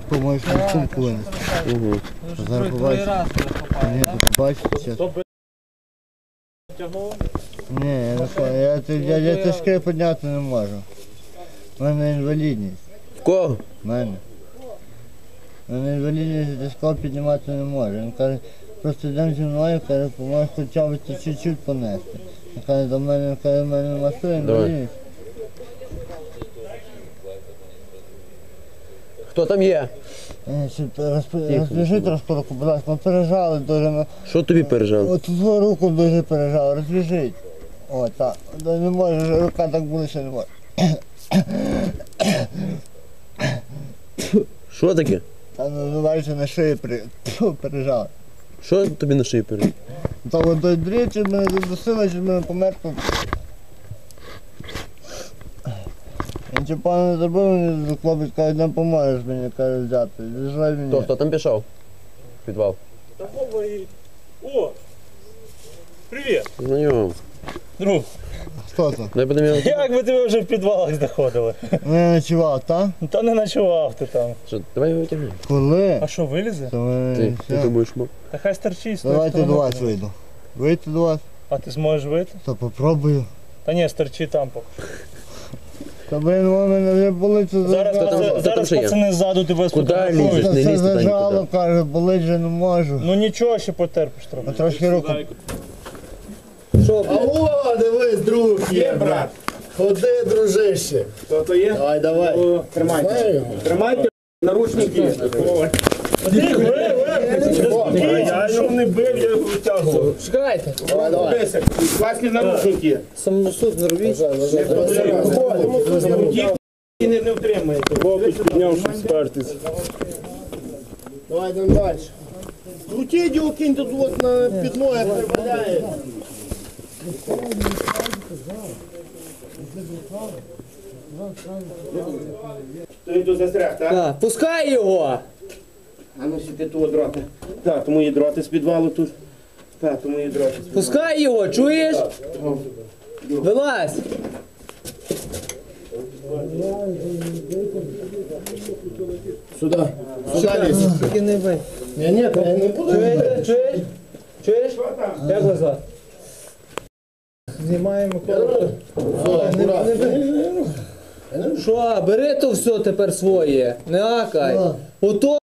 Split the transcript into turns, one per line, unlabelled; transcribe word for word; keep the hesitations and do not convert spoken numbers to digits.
можеш в сумку винести.
Угу.
Зараз побачите. Ні, тут бачите зараз. Ні, я не знаю, я, я, я тяжке підняти не можу. У мене інвалідність.
В кого?
У мене. У мене інвалідність, я тяжко піднімати не можу. Він каже, просто йдемо зі мною, каже, поможеш хоча б це чуть-чуть понести. Він каже, до мене, каже, в мене масує інвалідність.
Хто там є?
Розв'яжи трошки руку, будь ласка, ми пережали дуже. Ми...
Що тобі пережав?
От твою руку дуже пережав, розв'яжіть. О, так. Не може, рука так буде, що не може.
Що таке?
Та ну, бачите, на шиї при... пережав.
Що тобі на шиї пережав?
Та от той дріт, чи мене задусило, чи мене помер тут. Він чи пане не зробив, мені хлопець каже, не поможеш мені, каже, взяти. Зіжай мені.
Хто, хто там пішов? В підвал.
Та Вова і... О! Привіт!
Знайом.
Друг,
Хто це?
Дай будемо його.
як би тебе вже в підвалах знаходили?
Не ночував, так?
Та не ночував ти там.
Що, давай його тягни.
Коли?
А що, вилізе?
То ми...
Ти, ти
все.
думаєш, мо?
Та хай стерчить з тої
Давайте
сторони.
до вас вийду. Вийти до вас?
А ти зможеш вийти?
То попробую.
Та ні, стерчи там поки.
Та блин, у мене вже болить, що
Зараз,
Хто там-
пацани-
хто там
зараз
ще є?
пацани ззаду тебе
Куди
сфотографують.
лізеш? Не
Це
лізь туди
зажало,
нікуди.
каже, болить вже не можу.
Ну нічого, ще потерпиш трохи.
А трошки руку.
Алло, дивись, друг є, брат. Ходи, дружище.
Хто то є?
Давай, давай.
О, Тримайте. Тримайте наручники. Я його не бив, я його витягував.
Чекайте. Давай, давай.
Класні наручники.
Самосуд не робіть.
І не, не втримаєте.
Хлопець підняв, щоб спертись.
Давай, йдемо далі. Крутіть його, киньте тут на підлогу, як прибавляє.
Той тут застряг, так?
Так, пускай його.
А ну сіти того дроти. Так, тому є дроти з підвалу тут. Так, тому є дроти з підвалу.
Пускай його, чуєш? Вилазь. Сюди. Сюди лізь. Тільки не бий. Ні, ні, я не буду. Чуєш? Чуєш? Чуєш? Як вас звати? Знімаємо коло. Що, бери то все тепер своє, не акай. Ото